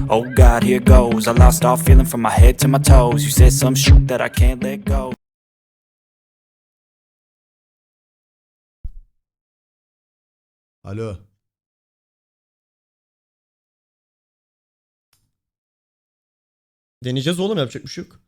Oh God, here goes. I lost all feeling from my head to my toes. You said some shit that I can't let go. Alo. Deneyeceğiz oğlum, yapacak bir şey yok.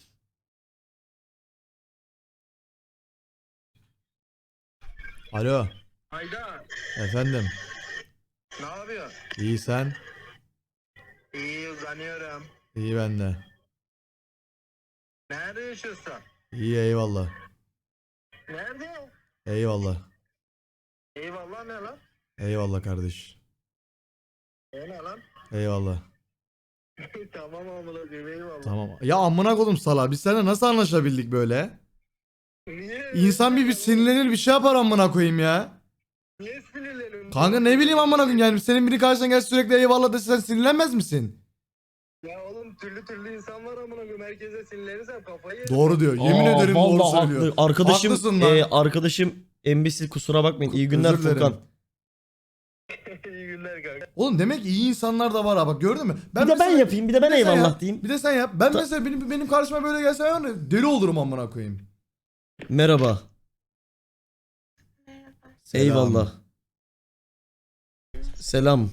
Alo. Hayda, Efendim. ne yapıyorsun? İyi sen? İyi uzanıyorum. İyi ben de. Nerede yaşıyorsun? İyi eyvallah. Nerede? Eyvallah. Eyvallah ne lan? Eyvallah kardeş. Ne lan? Eyvallah. Tamam amına koyayım eyvallah. Tamam. Ya amına koydum sala. Biz seninle nasıl anlaşabildik böyle? Niye? İnsan bir sinirlenir bir şey yapar amına koyayım ya. Niye sinirleniyorsun? Kanka ne bileyim amına koyayım yani senin biri karşına gel sürekli eyvallah dese sen sinirlenmez misin? Ya oğlum türlü insan var amına koyayım. Herkese sinirlenirsen kafayı yerim. Doğru diyor. Yemin ederim doğru vallahi söylüyor. haklı. Arkadaşım, Haklısın lan. arkadaşım embesil, kusura bakmayın. İyi günler Özür dilerim. Furkan. İyi günler kanka. Oğlum demek ki iyi insanlar da var ha bak gördün mü? Bir de ben mesela- yapayım, bir de ben bir de sen eyvallah yap, diyeyim. Bir de sen yap. Ben mesela benim karşıma böyle gelse ben de deli olurum amına koyayım. Merhaba. Selam. Eyvallah. Selam.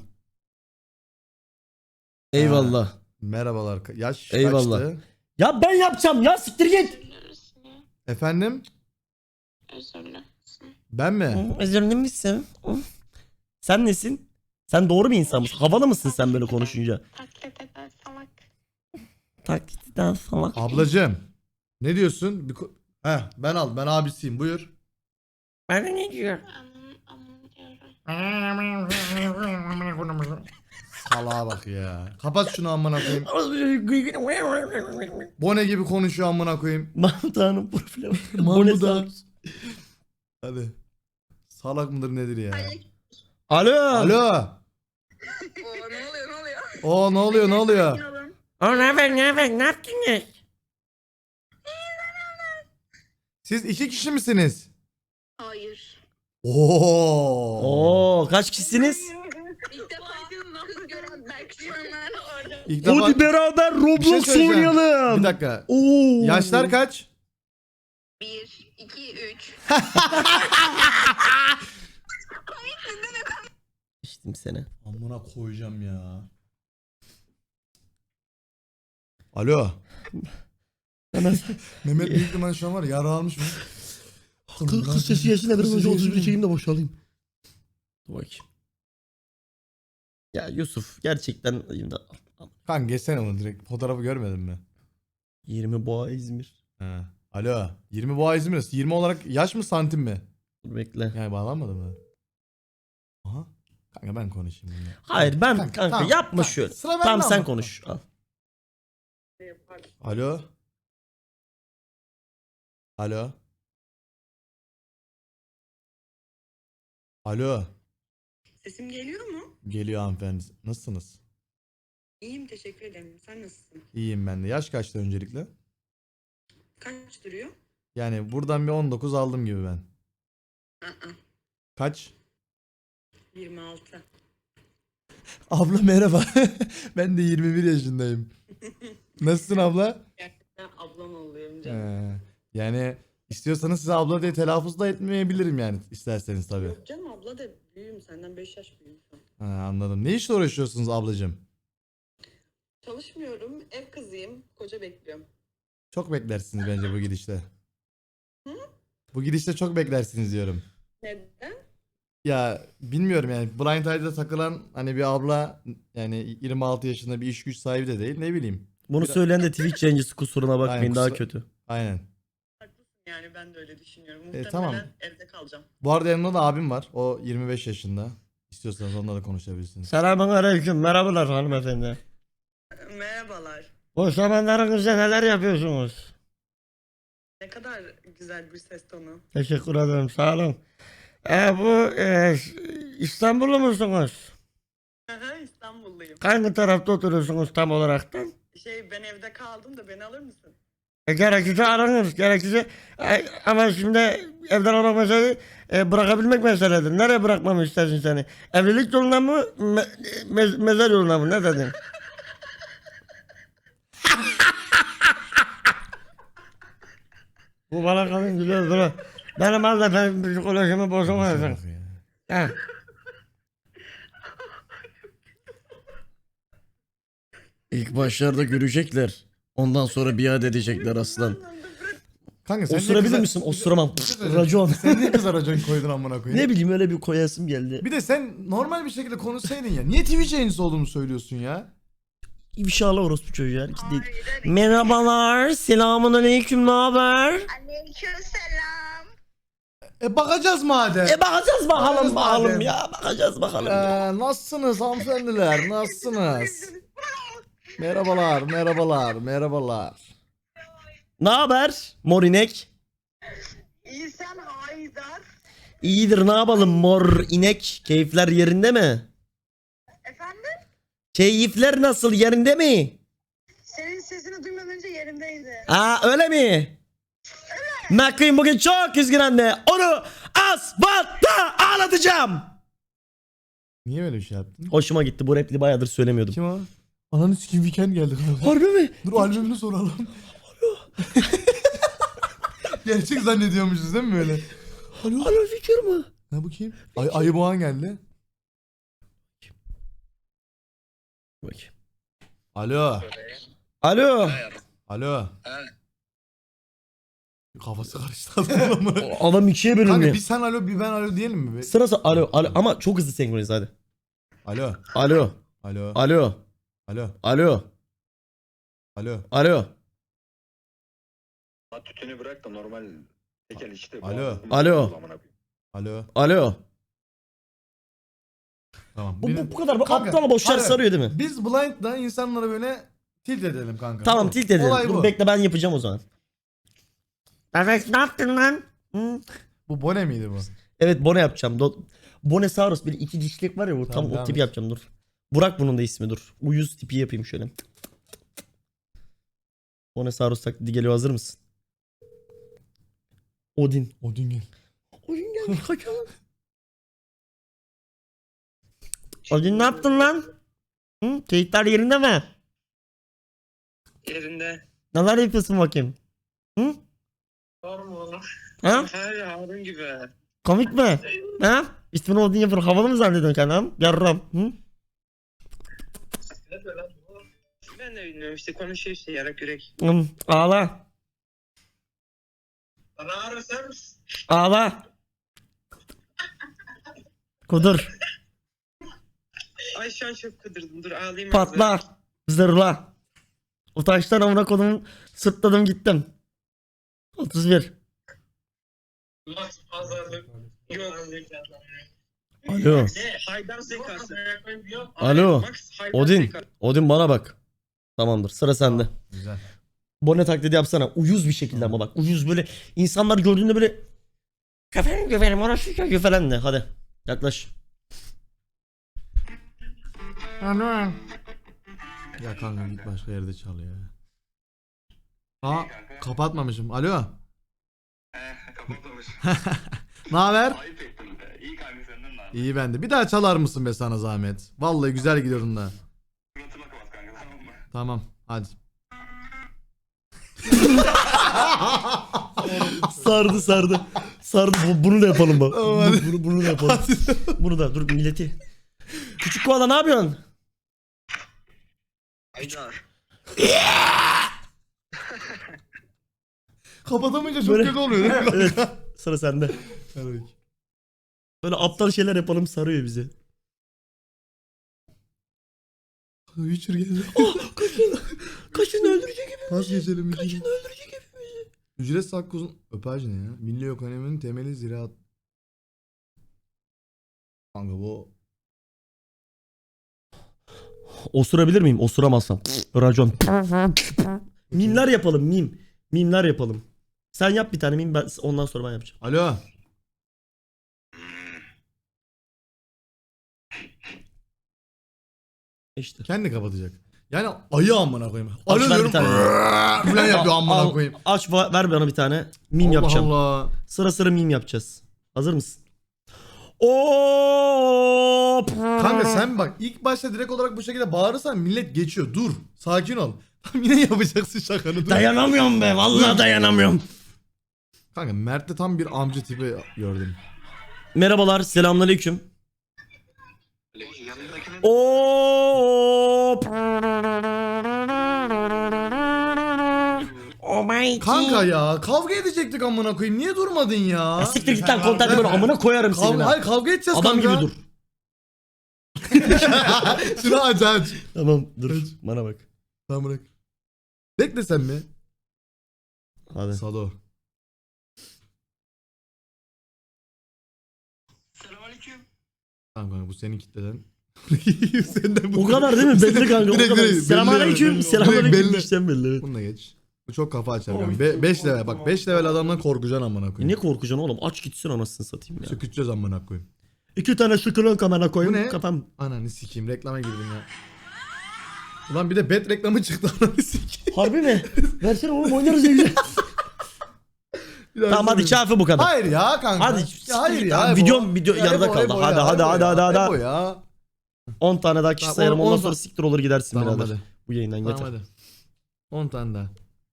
Eyvallah. Merhabalar. Yaş Eyvallah. kaçtı? Ya ben yapacağım ya, siktir git. Efendim? Özürlü. Ben mi? Özür dilerim. Sen nesin? Sen doğru bir insan mısın? Havalı mısın sen böyle konuşunca? Taklit eder salak. Taklitten salak. Ablacığım. Ne diyorsun? Ben ben abisiyim buyur. Ben de ne diyor? Aman diyorum. Salağa bak ya. Kapat şunu amına koyayım. Bone gibi konuşuyor amına koyayım. Mahmut Ağa'nın profili var. Mahmut Bone Ağa. sağ- Hadi. Salak mıdır nedir ya? Alo. Alo. O ne oluyor ne oluyor? O ne haber ne yaptınız? Siz iki kişi misiniz? Hayır. Oo. Oo, kaç kişisiniz? İlk defa kız gören Berkcanlar orada. İlk defa Hadi beraber bir şey Roblox söyleyeceğim. oynayalım. Bir dakika. Oo. Yaşlar kaç? 1, 2, 3. İçtim seni. Amına koyacağım ya. Alo. Mehmet büyük ihtimalle şu an var ya, yara almış mı? Kız sesi yesin de biraz önce 31 çekeyim de boşalayım. Dur bakayım. Ya Yusuf gerçekten Kanka geçsene onu direkt. Fotoğrafı görmedin mi? 20 Boğa İzmir. He. Alo. 20 boğa İzmir arası. 20 olarak yaş mı santim mi? Dur bekle. Yani bağlanmadı mı? Aha. Kanka ben konuşayım bunu. Hayır ben Kanka, kanka tamam, yapma tamam. şöyle. Sıra bende Tamam sen ama. konuş. Al. Alo. Alo. Alo. Sesim geliyor mu? Geliyor hanımefendi. Nasılsınız? İyiyim, teşekkür ederim. Sen nasılsın? İyiyim ben de. Yaş kaçtı öncelikle? Kaç duruyor? Yani buradan bir 19 aldım gibi ben. Aa, Kaç? 26. Abla merhaba. Ben de 21 yaşındayım. Nasılsın abla? Gerçekten ablam oluyorum canım. Yani istiyorsanız size abla diye telaffuz da etmeyebilirim yani isterseniz tabii. Yok canım, abla da büyüğüm, senden 5 yaş büyüğüm şu an. Anladım. Ne işle uğraşıyorsunuz ablacığım? Çalışmıyorum, ev kızıyım, koca bekliyorum. Çok beklersiniz bence bu gidişte. Hı? Bu gidişte çok beklersiniz diyorum. Neden? Ya bilmiyorum yani Blind Side'da takılan hani bir abla yani 26 yaşında bir iş güç sahibi de değil ne bileyim. Bunu Biraz- söyleyen de Twitch yayıncısı, kusuruna bakmayın, Aynen, daha kusura- kötü. Aynen. Haklısın, yani ben de öyle düşünüyorum. Muhtemelen tamam. evde kalacağım. Bu arada yanımda da abim var. O 25 yaşında. İstiyorsanız onunla da konuşabilirsiniz. Selamun aleyküm, merhabalar hanımefendi. Merhabalar. Boş zamanlarınızda neler yapıyorsunuz? Ne kadar güzel bir ses tonu. Teşekkür ederim, sağ olun. İstanbullu musunuz? Aha, İstanbulluyum. Hangi tarafta oturuyorsunuz tam olaraktan? Ben evde kaldım da beni alır mısın? Gerekirse aranır, gerekirse ama şimdi evden almak mesele bırakabilmek meseledir. Nereye bırakmamı istersin seni? Evlilik yoluna mı, mezar yoluna mı? Ne dedin? Bu bana kalın güzel dur. Benim az ben psikolojimi bozamayacağım. Ha. İlk başlarda görecekler. Ondan sonra biat edecekler aslan. Kanka sen Osurabilir niye misin? Osuramam. kıza- Racon. Sen niye kıza racon koydun amına koyayım? Ne bileyim öyle bir koyasım geldi. Bir de sen normal bir şekilde konuşsaydın ya. Niye Twitch yayıncısı olduğunu söylüyorsun ya? İnşallah orospu çocuğu her iki değil. Merhabalar. Selamun aleyküm. Ne haber? Aleykümselam. Bakacağız madem. Bakacağız bakalım Bakacağız madem. ya. Bakacağız bakalım. Ya. Nasılsınız hanımefendiler? Nasılsınız? Merhabalar, merhabalar, merhabalar. Ne haber? Morinek. İyi sen Haydar. İyidir ne yapalım mor inek. Keyifler yerinde mi? Efendim? Keyifler nasıl yerinde mi? Senin sesini duymadan önce yerimdeydi. Aa öyle mi? McQueen bugün çok üzgün anne. Onu asfaltta ağlatacağım. Niye böyle bir şey yaptın? Hoşuma gitti. Bu repliği bayağıdır söylemiyordum. Kim o? Ananı sikim weekend geldi kanka. Harbi mi? Dur albümünü soralım. Gerçek zannediyormuşuz değil mi böyle? Alo fikir mi? Ha bu kim? Ayı Boğan geldi. Bakayım. Alo. Alo. Alo. Kafası karıştı adamın. Adam ikiye Kanka bölünüyor. bir sen alo bir ben alo diyelim mi? Sırası alo ama çok hızlı senkronize hadi. Alo. Alo. Alo. Alo. Alo. Alo. Alo. Alo. Tütünü bırak da normal tekel işte. Alo. Alo. Alo. Alo. Tamam. Bu kadar bu Kanka, aptal boşlar hayır. sarıyor değil mi? Biz blind'da insanlara böyle tilt edelim kanka. Tamam tilt edelim. Olay Dur bu. bekle ben yapacağım o zaman. Evet ne yaptın lan? Hı? Bu Bone miydi bu? Evet Bone yapacağım. Bonesaurus böyle iki dişlik var ya bu Tamam, tam o devam tipi et. yapacağım dur. Burak bunun da ismi dur. Uyuz tipi yapayım şöyle. Bonesaurus taklidi geliyor hazır mısın? Odin. Odin gel. Odin gelmiş kaçalım. Odin ne yaptın lan? Hı? Keyifler yerinde mi? Yerinde. Neler yapıyorsun bakayım? Hı? Var mı oğlum? Ha? He Harun gibi. Komik mi? Ha? İsmini Odin yapıyor. Havalı mı zannediyorsun kendini? Yarram. Hı? Ben de bilmiyorum işte konuşuyor işte yarak yürek. Hı. Ağla. Bana Harun sen misin? Ağla. Kudur. Ay şu an çok kıdırdım dur ağlayayım. Patla. Zırla. Utançtan amına kodumu sırtladım gittim. 31. Max pazarlık. Yok. Alo. Haydar zekası. Alo. Max Haydar Odin. zekası. Odin bana bak. Tamamdır sıra sende. Güzel. Bone taklidi yapsana. Uyuz bir şekilde ama bak. Uyuz böyle. İnsanlar gördüğünde böyle. Efendim güvenim orası çocuğu falan de. Hadi. Yaklaş. Ya kanka git başka yerde çal ya. Aa kapatmamışım. Alo. Kapatılmış. Ne haber? Ayıp ettim be. İyi kanka senden lan. İyi bende. Bir daha çalar mısın be sana zahmet? Vallahi güzel gidiyordun da. Suratıma kapat kanka tamam mı? Tamam hadi. Sardı sardı. Sardı. Bunu da yapalım bak. Tamam, hadi. Bunu da yapalım. Bunu da dur milleti. Küçük koala ne yapıyorsun? Haydar. Kapatamayınca çok Böyle- kötü oluyor değil mi? Evet. Sıra sende. Evet. Böyle aptal şeyler yapalım sarıyor bizi. Witcher geldi. Kaçın öldürecek gibi. Nasıl geçelim? Kaçın öldürecek gibi. Ücretsiz hakkı uzun... Öpaj ne ya? Milli ekonominin temeli ziraat. Kanka bu... Osurabilir miyim? Osuramazsam. Racon. Mimler yapalım mim. Mimler yapalım. Sen yap bir tane mim ben ondan sonra ben yapacağım. Alo. İşte. Kendi kapatacak. Yani ayı amına koyayım. Aç Alo ver diyorum. bir tane. Falan yapıyor amına Al, koyayım. aç ver bana bir tane. Mim Allah yapacağım. Allah. Sıra sıra mim yapacağız. Hazır mısın? Oo! Kanka sen bak ilk başta direkt olarak bu şekilde bağırırsan millet geçiyor. Dur. Sakin ol. Yine yapacaksın şakanı. Dur. Dayanamıyorum be. Vallahi dayanamıyorum. Kanka Mert'te tam bir amca tipi gördüm. Merhabalar, selamünaleyküm. Oo. Oh my Kanka ya kavga edecektik amına koyayım. Niye durmadın ya? Ya siktir git lan kontenti böyle amına koyarım seni. Hayır kavga edeceğiz Adam kanka. gibi dur. Şunu aç. Tamam dur bana bak. Tamam bırak. Bekle sen mi? Hadi. Sado. Selamünaleyküm. Tamam kanka bu senin kitleden. Senden bu O kadar değil mi? Belli kanka. O kadar. Selamünaleyküm. Selamünaleyküm. İşten belli. Evet. Bununla geç. Bu çok kafa açar kanka. 5 level bak 5 level adamdan korkacaksın amına Ne koyayım. korkacaksın oğlum? Aç gitsin anasını satayım ya. Söküteceğiz amına koyayım. 2 tane şükürün kamera Bu koyayım. ne? Kafam. Ananı sikeyim reklama girdim ya. Ulan bir de bet reklamı çıktı ananı sikeyim. Harbi mi? Versene oğlum oynarız ya güzel. Tamam hadi çarpı bu kadar. Hayır ya kanka. Hadi. Ya hayır ya. Tamam, video yarıda kaldı. Hadi. Ebo ya. 10 tane daha kişi Tamam, sayarım. Ondan 10 sonra siktir olur gidersin Tamam birader. hadi. Bu yayından Tamam yeter. hadi. 10 tane daha.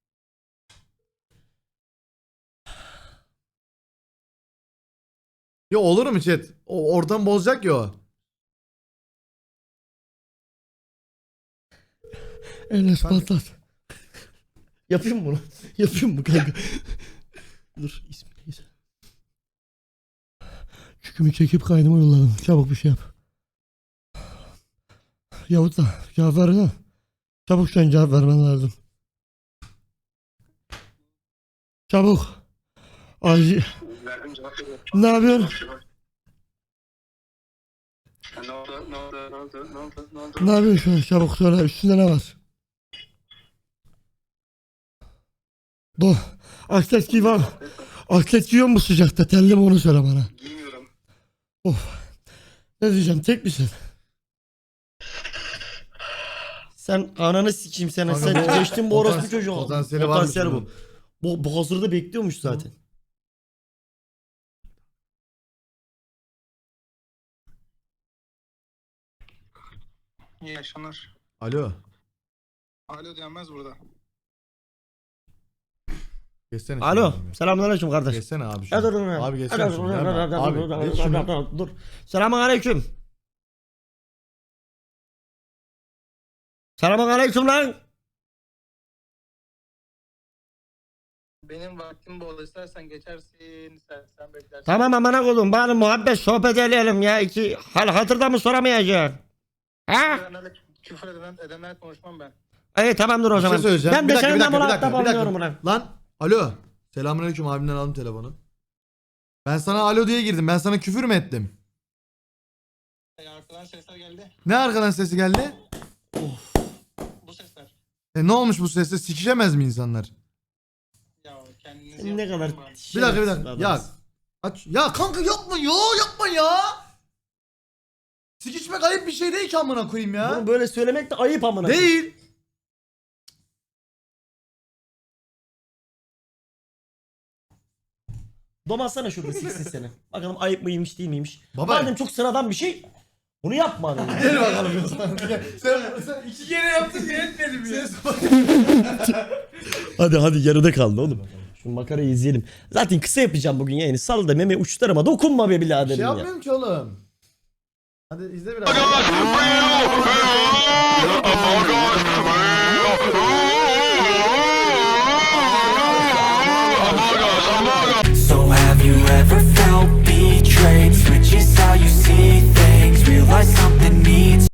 Ya olur mu chat? O ortam bozacak ya o. Enes patlat. Yapayım mı bunu? Yapayım mı kanka? Dur ismi neyse. Çükümü çekip kaynıma yolladım. Çabuk bir şey yap. Yahut da cevap versene. Çabuk sen cevap vermen lazım. Çabuk. Acil. Verdim cevap veriyorum. Ne yapıyorsun? Ne oldu? Ne yapıyorsun şu an? Çabuk söyle. Üstünde ne var? Atlet giy var. Atlet giyiyor mu sıcakta? Telli mi onu söyle bana. Giymiyorum. Ne diyeceğim? Tek misin? Sen ananı sikeyim sen. Kanka Sen bu- geçtin bu orospu çocuğu. potansiyeli varmış Potansiyel bunun. bu. Bu hazırda bekliyormuş zaten. İyi akşamlar. Alo. Alo denmez burada. Geçsene. Alo. şunu. Selamünaleyküm kardeş. Geçsene abi Ya şunu. dur dur. Abi geçsene şunu. Gelme. Abi geç şunu. Dur. Selamünaleyküm. Selamünaleyküm lan. Benim vaktim bol, istersen geçersin, istersen beklersin. Tamam amına koydum. Bari muhabbet sohbet edelim ya. İki hal hatırda mı soramayacaksın? Ha? Küfür edenler konuşmam ben. İyi tamamdır o Bir şey zaman. söyleyeceğim. Ben Bir de dakika, bir senden dakika, muhatap bir dakika. olmuyorum lan. Lan. Alo. Selamünaleyküm abimden aldım telefonu. Ben sana alo diye girdim. Ben sana küfür mü ettim? Arkadan sesler geldi. Ne arkadan sesi geldi? Bu sesler. Ne olmuş bu sesle? Sikişemez mi insanlar? Ya kendiniz Sen ne kadar Bir dakika. Ya aç. Ya kanka yapma ya, yapma ya. Sikişmek ayıp bir şey değil ki amına koyayım ya. Bunu böyle söylemek de ayıp amına. Değil. Domatsana şurada siksin seni. Bakalım ayıp mıymış değil miymiş. Baba. Madem çok sıradan bir şey. Bunu yapma adam. Gel bakalım. sen iki kere yaptın diye etmedim ya. hadi yarıda kaldı oğlum. Şu makarayı izleyelim. Zaten kısa yapacağım bugün yayını. Sal da meme uçlarıma dokunma be Bir biraderim şey ya. yapmıyorum ki oğlum. Hadi izle biraz.